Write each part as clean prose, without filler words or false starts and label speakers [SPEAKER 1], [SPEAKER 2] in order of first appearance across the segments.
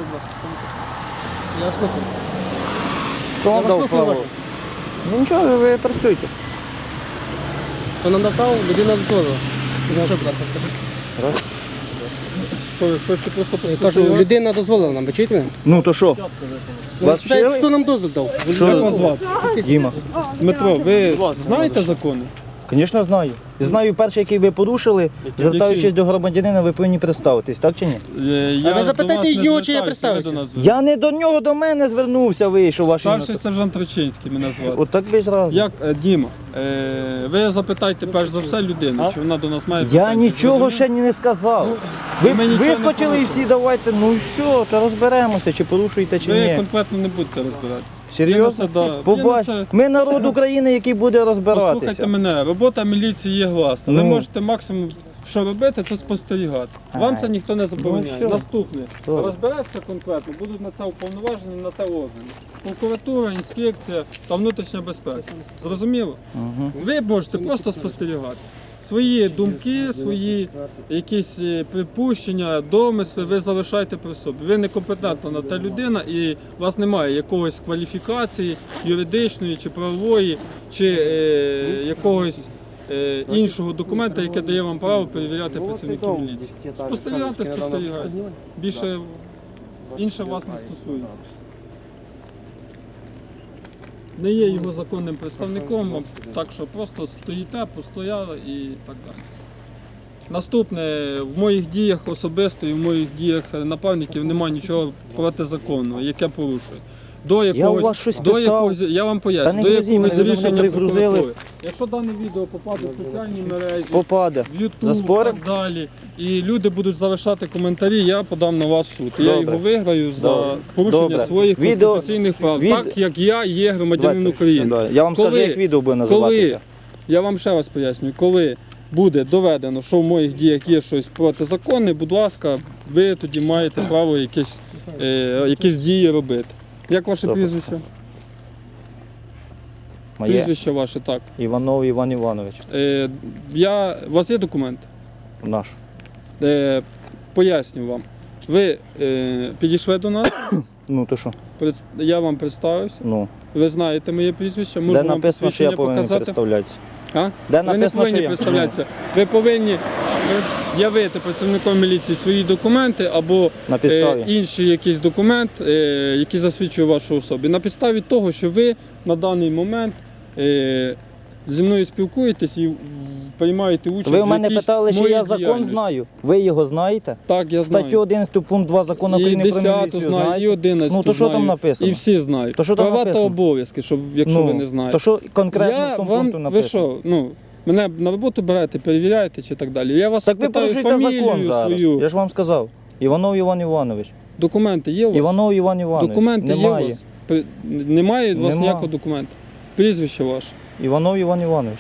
[SPEAKER 1] будь ласка. Я вас слухаю.
[SPEAKER 2] Хто
[SPEAKER 1] Я
[SPEAKER 2] вам
[SPEAKER 1] вас
[SPEAKER 2] дав
[SPEAKER 1] слухаю
[SPEAKER 2] право?
[SPEAKER 1] уважно.
[SPEAKER 2] Ну нічого, ви працюйте.
[SPEAKER 1] Хто нам дав право, людина дозволила. Що, будь ласка, скажіть?
[SPEAKER 2] Раз.
[SPEAKER 3] Що, ви хочете просто
[SPEAKER 1] Я кажу, людина дозволила нам, ви чуєте мене?
[SPEAKER 2] Ну то що? Вас
[SPEAKER 1] Спитайте,
[SPEAKER 2] вчили?
[SPEAKER 1] хто нам дозвіл дав?
[SPEAKER 3] Як вас звати?
[SPEAKER 2] Діма.
[SPEAKER 3] Дмитро, ви знаєте закони?
[SPEAKER 2] Звісно, знаю. Знаю перший, який ви порушили, звертаючись до громадянина, ви повинні представитись, так чи ні?
[SPEAKER 3] Я
[SPEAKER 1] ви запитайте
[SPEAKER 3] до вас не
[SPEAKER 1] його, чи я
[SPEAKER 3] звертаюся,
[SPEAKER 1] представився?
[SPEAKER 3] ви до нас звертаєтесь.
[SPEAKER 2] Я не до нього, до мене звернувся, вийшов ваш.
[SPEAKER 3] Старший сержант Речинський мене звати.
[SPEAKER 2] Отак ви зразу.
[SPEAKER 3] Як, Діма, ви запитайте перш за все людину, чи вона до нас має
[SPEAKER 2] Я
[SPEAKER 3] претензії.
[SPEAKER 2] нічого
[SPEAKER 3] Зрозумів?
[SPEAKER 2] ще не сказав. Ви
[SPEAKER 3] ми нічого не
[SPEAKER 2] вискочили і
[SPEAKER 3] порушили.
[SPEAKER 2] всі давайте, ну все, то розберемося, чи порушуєте, чи
[SPEAKER 3] Ви
[SPEAKER 2] ні.
[SPEAKER 3] конкретно не будете розбиратися.
[SPEAKER 2] Серйозно?
[SPEAKER 3] Я на це, да.
[SPEAKER 2] Побач,
[SPEAKER 3] Я на це-
[SPEAKER 2] ми народ України, який буде розбиратися.
[SPEAKER 3] Послухайте мене, робота міліції є гласна. Ви
[SPEAKER 2] Ну.
[SPEAKER 3] можете максимум, що робити, це спостерігати. Вам
[SPEAKER 2] Ай.
[SPEAKER 3] це ніхто не забороняє.
[SPEAKER 2] Ну, все.
[SPEAKER 3] Наступне.
[SPEAKER 2] Добре.
[SPEAKER 3] Розбереться конкретно, будуть на це уповноважені, на те органи. Прокуратура, інспекція та внутрішня безпека. Зрозуміло?
[SPEAKER 2] Угу.
[SPEAKER 3] Ви можете просто спостерігати. Свої думки, свої якісь припущення, домисли ви залишайте при собі. Ви некомпетентна на те людина і у вас немає якогось кваліфікації юридичної чи правової, чи якогось іншого документа, яке дає вам право перевіряти працівників міліції. Спостерігати, спостерігати. Більше інше вас не стосується. Не є його законним представником, так що просто стоїте, постояли і так далі. Наступне, в моїх діях особисто і в моїх діях напарників немає нічого протизаконного, яке порушує. До якогось,
[SPEAKER 2] вас щось
[SPEAKER 3] до
[SPEAKER 2] питав.
[SPEAKER 3] якогось, я вам
[SPEAKER 2] Та
[SPEAKER 3] поясню,
[SPEAKER 2] не
[SPEAKER 3] до
[SPEAKER 2] грузіть
[SPEAKER 3] якогось
[SPEAKER 2] мене, ви
[SPEAKER 3] рішення
[SPEAKER 2] мене пригрузили.
[SPEAKER 3] прокуратури. Якщо дане відео попаде в соціальні мережі,
[SPEAKER 2] Попаде.
[SPEAKER 3] в YouTube і
[SPEAKER 2] Заспорим?
[SPEAKER 3] так далі, і люди будуть залишати коментарі, я подам на вас в суд. І я
[SPEAKER 2] Добре.
[SPEAKER 3] його виграю за
[SPEAKER 2] Добре.
[SPEAKER 3] порушення
[SPEAKER 2] Добре.
[SPEAKER 3] своїх
[SPEAKER 2] Відео-
[SPEAKER 3] конституційних прав,
[SPEAKER 2] від-
[SPEAKER 3] так як я є громадянин України.
[SPEAKER 2] Давайте. Я вам
[SPEAKER 3] Коли-
[SPEAKER 2] скажу, як відео буде називатися.
[SPEAKER 3] Коли, я вам ще раз пояснюю, коли буде доведено, що в моїх діях є щось протизаконне, будь ласка, ви тоді маєте право якісь дії робити. Як ваше
[SPEAKER 2] Добре.
[SPEAKER 3] прізвище?
[SPEAKER 2] Моє.
[SPEAKER 3] Прізвище ваше, так.
[SPEAKER 2] Іванов Іван Іванович.
[SPEAKER 3] У вас є документ?
[SPEAKER 2] Наш.
[SPEAKER 3] Поясню вам. Ви підійшли до нас,
[SPEAKER 2] Ну то що?
[SPEAKER 3] я вам представився,
[SPEAKER 2] Ну.
[SPEAKER 3] ви знаєте моє прізвище, можу
[SPEAKER 2] Де
[SPEAKER 3] вам
[SPEAKER 2] написано, що я
[SPEAKER 3] посвідчення
[SPEAKER 2] повинен
[SPEAKER 3] показати.
[SPEAKER 2] представлятися?
[SPEAKER 3] А?
[SPEAKER 2] Де
[SPEAKER 3] Ви не
[SPEAKER 2] написано,
[SPEAKER 3] повинні
[SPEAKER 2] що я?
[SPEAKER 3] представлятися. Ви повинні явити працівником міліції свої документи або
[SPEAKER 2] На підставі.
[SPEAKER 3] інший якийсь документ, який засвідчує вашу особу. На підставі того, що ви на даний момент зі мною спілкуєтесь і приймаєте участь
[SPEAKER 2] Ви у
[SPEAKER 3] в
[SPEAKER 2] мене
[SPEAKER 3] якійсь
[SPEAKER 2] питали, чи
[SPEAKER 3] моїй
[SPEAKER 2] я закон
[SPEAKER 3] діяльності.
[SPEAKER 2] знаю. Ви його знаєте?
[SPEAKER 3] Так, я знаю.
[SPEAKER 2] Статтю 11 пункт 2 закону
[SPEAKER 3] І
[SPEAKER 2] України про
[SPEAKER 3] 10
[SPEAKER 2] міліцію
[SPEAKER 3] знаю, і
[SPEAKER 2] знаєте?
[SPEAKER 3] 11
[SPEAKER 2] Ну то що там
[SPEAKER 3] знаю,
[SPEAKER 2] написано?
[SPEAKER 3] І всі знають.
[SPEAKER 2] То що там
[SPEAKER 3] Права та
[SPEAKER 2] написано?
[SPEAKER 3] обов'язки, якщо ви не знаєте.
[SPEAKER 2] То що конкретно
[SPEAKER 3] Я
[SPEAKER 2] в тому
[SPEAKER 3] вам,
[SPEAKER 2] пункту
[SPEAKER 3] ви
[SPEAKER 2] написано?
[SPEAKER 3] що, мене на роботу берете, перевіряєте чи так далі. Я вас
[SPEAKER 2] Так ви
[SPEAKER 3] питаю
[SPEAKER 2] порушуєте
[SPEAKER 3] фамілію
[SPEAKER 2] закон зараз.
[SPEAKER 3] свою.
[SPEAKER 2] Я ж вам сказав. Іванов Іван Іванович.
[SPEAKER 3] Документи є у вас?
[SPEAKER 2] Іванов Іван Іванович.
[SPEAKER 3] Документи
[SPEAKER 2] Немає.
[SPEAKER 3] є у вас? Немає у вас
[SPEAKER 2] Нема.
[SPEAKER 3] ніякого документа? Прізвище ваше?
[SPEAKER 2] Іванов Іван Іванович.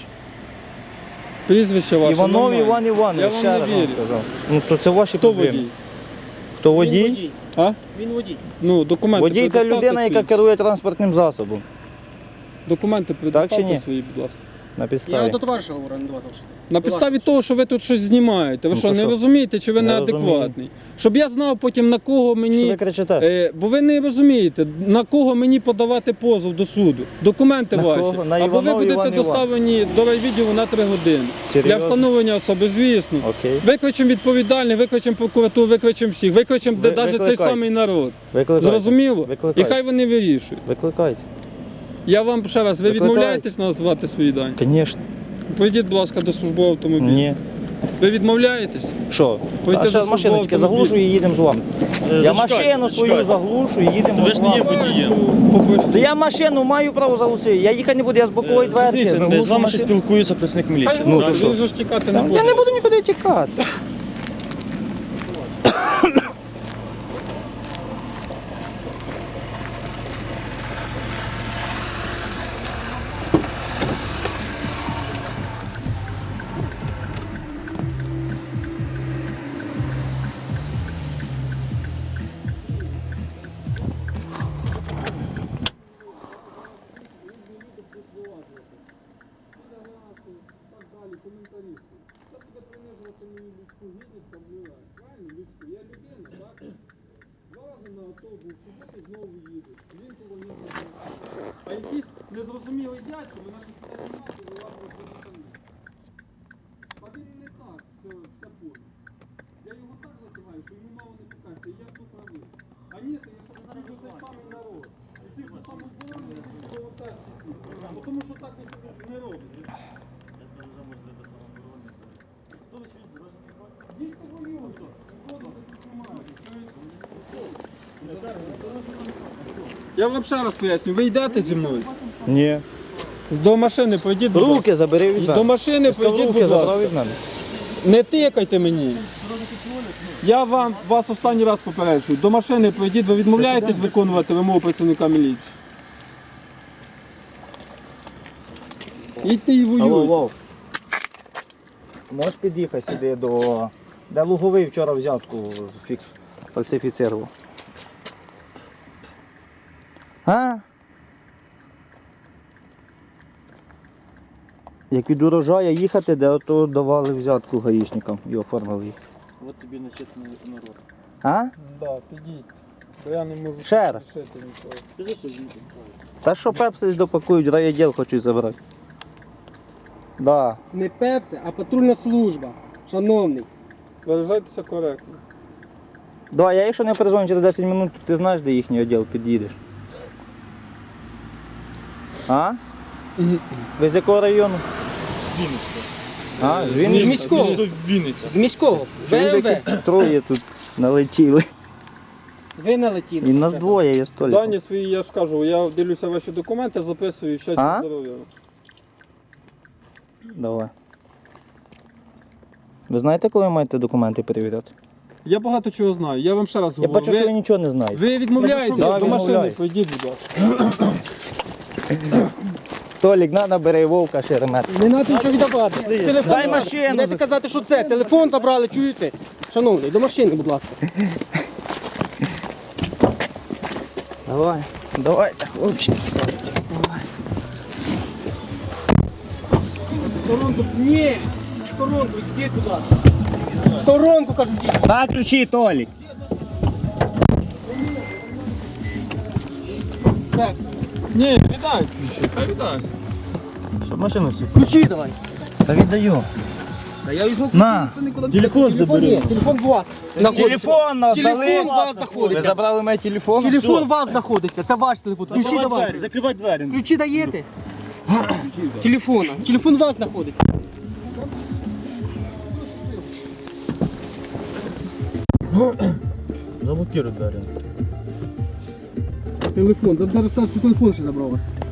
[SPEAKER 3] Прізвище ваше
[SPEAKER 2] Іванов
[SPEAKER 3] нормально.
[SPEAKER 2] Іван Іванович,
[SPEAKER 3] Я вам
[SPEAKER 2] ще
[SPEAKER 3] не
[SPEAKER 2] раз вам
[SPEAKER 3] вірю.
[SPEAKER 2] сказав. Ну то це ваші
[SPEAKER 3] Хто
[SPEAKER 2] проблеми.
[SPEAKER 3] водій?
[SPEAKER 2] Хто водій?
[SPEAKER 3] А?
[SPEAKER 1] Він водій.
[SPEAKER 3] Ну, документи
[SPEAKER 2] Водій це
[SPEAKER 3] предоставте
[SPEAKER 2] людина, яка
[SPEAKER 3] свої.
[SPEAKER 2] керує транспортним засобом.
[SPEAKER 3] Документи
[SPEAKER 2] чи
[SPEAKER 3] предоставте
[SPEAKER 2] ні?
[SPEAKER 3] свої, будь ласка.
[SPEAKER 2] На
[SPEAKER 1] Я
[SPEAKER 2] підставі.
[SPEAKER 1] до товариша говорю, а не до вас взагалі.
[SPEAKER 3] На підставі того, що ви тут щось знімаєте. Ви
[SPEAKER 2] Ну,
[SPEAKER 3] що,
[SPEAKER 2] то
[SPEAKER 3] не
[SPEAKER 2] що?
[SPEAKER 3] розумієте, чи ви
[SPEAKER 2] Не
[SPEAKER 3] неадекватний? Щоб я знав потім, на кого
[SPEAKER 2] Що
[SPEAKER 3] мені...
[SPEAKER 2] ви кричите?
[SPEAKER 3] Бо ви не розумієте, на кого мені подавати позов до суду. Документи
[SPEAKER 2] На
[SPEAKER 3] ваші.
[SPEAKER 2] кого? На
[SPEAKER 3] Або ви
[SPEAKER 2] Іванова
[SPEAKER 3] будете
[SPEAKER 2] Івана
[SPEAKER 3] доставлені до райвідділу на 3 години.
[SPEAKER 2] Серйозно?
[SPEAKER 3] Для встановлення особи, звісно.
[SPEAKER 2] Окей.
[SPEAKER 3] Викличемо відповідальних, викличемо прокуратуру, викличемо всіх, викличемо навіть цей
[SPEAKER 2] викликайте.
[SPEAKER 3] самий народ.
[SPEAKER 2] Викликайте.
[SPEAKER 3] Зрозуміло? І
[SPEAKER 2] Викликайте.
[SPEAKER 3] хай вони вирішують.
[SPEAKER 2] Викликайте.
[SPEAKER 3] Я вам ще раз, ви
[SPEAKER 2] Викликайте.
[SPEAKER 3] відмовляєтесь назвати свої дані?
[SPEAKER 2] Звісно.
[SPEAKER 3] Поїдіть, будь ласка, до службового автомобіля.
[SPEAKER 2] Ні.
[SPEAKER 3] Ви відмовляєтесь?
[SPEAKER 2] Що?
[SPEAKER 3] Пойдете
[SPEAKER 2] А ще
[SPEAKER 3] до
[SPEAKER 2] машиночки
[SPEAKER 3] службового
[SPEAKER 2] заглушу і їдемо з вами. Я
[SPEAKER 4] Зачекайте,
[SPEAKER 2] машину свою
[SPEAKER 4] зачекайте.
[SPEAKER 2] заглушу і їдемо
[SPEAKER 4] Ви
[SPEAKER 2] з
[SPEAKER 4] ж не є
[SPEAKER 2] вами.
[SPEAKER 4] водієм.
[SPEAKER 2] Та я машину маю право заглушити. Я їхати не буду, я з бокової дверки
[SPEAKER 4] Дивіться,
[SPEAKER 2] заглушу
[SPEAKER 4] з вами ще
[SPEAKER 2] машину.
[SPEAKER 4] спілкується працівник міліції.
[SPEAKER 3] Ну,
[SPEAKER 2] то що?
[SPEAKER 3] він же ж тікати не буде.
[SPEAKER 2] Я не буду нікуди тікати.
[SPEAKER 3] Так далі, коментарі. Це буде принижувати мою людську знову їдуть. Він полонив. А якийсь незрозумілий дядько, мене тут не знімати, вилазить до штани. А він не так, все понял. Я його так закриваю, що йому мало не покажете, і я тут правий. А ні, то я зараз цей самий народ. І ці все самооборони, і ці волонтерські ці. Бо тому що так не робиться.
[SPEAKER 4] Я скажу, що може бути самооборони. Хто ви чуєте, дорожній контроль?
[SPEAKER 3] Дійсно воюють, воду знімають. Я вам ще раз поясню, ви йдете зі мною?
[SPEAKER 2] Ні.
[SPEAKER 3] До машини пройдіть, будь ласка.
[SPEAKER 2] Руки забери від
[SPEAKER 3] До
[SPEAKER 2] мене.
[SPEAKER 3] машини пройдіть,
[SPEAKER 2] Руки
[SPEAKER 3] будь
[SPEAKER 2] забрав
[SPEAKER 3] ласка.
[SPEAKER 2] від мене.
[SPEAKER 3] Не тикайте мені. Я вас останній раз попереджую. До машини пройдіть, ви відмовляєтесь виконувати вимогу працівника міліції. Їдьте і
[SPEAKER 2] Алло,
[SPEAKER 3] воюйте.
[SPEAKER 2] Вов. Можеш під'їхати сюди до... Де Луговий вчора взятку фальсифіцировав. А? Як від урожая їхати, де ото давали взятку гаїшникам і оформили їх.
[SPEAKER 4] От тобі начетний народ.
[SPEAKER 2] А?
[SPEAKER 3] Да, підіть. Бо я не можу
[SPEAKER 2] Ще раз.
[SPEAKER 3] рішити нічого.
[SPEAKER 4] Скажи, що їдемо.
[SPEAKER 2] Та що пепси допакують, райвідділ хочуть забрати. Да.
[SPEAKER 1] Не Пепси, а патрульна служба. Шановний.
[SPEAKER 3] Виражайтеся коректно.
[SPEAKER 2] Да, я якщо не перезвоню через 10 минут, то ти знаєш, де їхній відділ, під'їдеш. А? Ви з якого району? А, з Вінниці?
[SPEAKER 1] міського.
[SPEAKER 4] Вінниця.
[SPEAKER 1] З міського.
[SPEAKER 2] Чуєш,
[SPEAKER 1] БМВ.
[SPEAKER 2] які троє тут налетіли.
[SPEAKER 1] Ви налетіли.
[SPEAKER 2] І нас двоє є столі.
[SPEAKER 3] Дані свої, я ж кажу, я дивлюся ваші документи, записую щастя,
[SPEAKER 2] А?
[SPEAKER 3] здоров'я.
[SPEAKER 2] Давай. Ви знаєте, коли ви маєте документи перевіряти?
[SPEAKER 3] Я багато чого знаю, я вам ще раз
[SPEAKER 2] Я
[SPEAKER 3] говорю.
[SPEAKER 2] бачу, що ви нічого не знаєте.
[SPEAKER 3] Ви відмовляєтесь,
[SPEAKER 2] Да,
[SPEAKER 3] до машини
[SPEAKER 2] відмовляюсь.
[SPEAKER 3] пройдіть, будь ласка.
[SPEAKER 2] Толік, на, набери Вовка Шеремет.
[SPEAKER 1] Не треба нічого віддавати. Телефон
[SPEAKER 2] Дай
[SPEAKER 1] забрали.
[SPEAKER 2] машину.
[SPEAKER 1] Не дайте казати, що це. Телефон забрали, чуєте? Шановний, до машини, будь ласка.
[SPEAKER 2] Давай, давайте, хлопчики.
[SPEAKER 1] Сторонку, ні. Сторонку, йдіть, будь ласка. Сторонку, кажу, йдіть.
[SPEAKER 2] На ключі, Толік.
[SPEAKER 1] Так,
[SPEAKER 3] Ні, віддай ключі, хай віддай.
[SPEAKER 4] Щоб машину всі.
[SPEAKER 1] ключі давай.
[SPEAKER 2] Та віддаю.
[SPEAKER 1] Та я візьму
[SPEAKER 2] На.
[SPEAKER 4] Телефон забери.
[SPEAKER 1] Ні, телефон у вас. знаходиться.
[SPEAKER 2] Телефон надали.
[SPEAKER 1] Телефон у вас
[SPEAKER 2] Ви
[SPEAKER 1] знаходиться.
[SPEAKER 2] забрали мій телефон?
[SPEAKER 1] Телефон у вас знаходиться, це ваш телефон. Ключі давайте.
[SPEAKER 4] Закривай двері.
[SPEAKER 1] Ключі даєте? Телефона. Телефон у вас знаходиться.
[SPEAKER 4] Заблокируй двері.
[SPEAKER 1] Телефон. Зараз скажу, що телефон ще забрав у вас.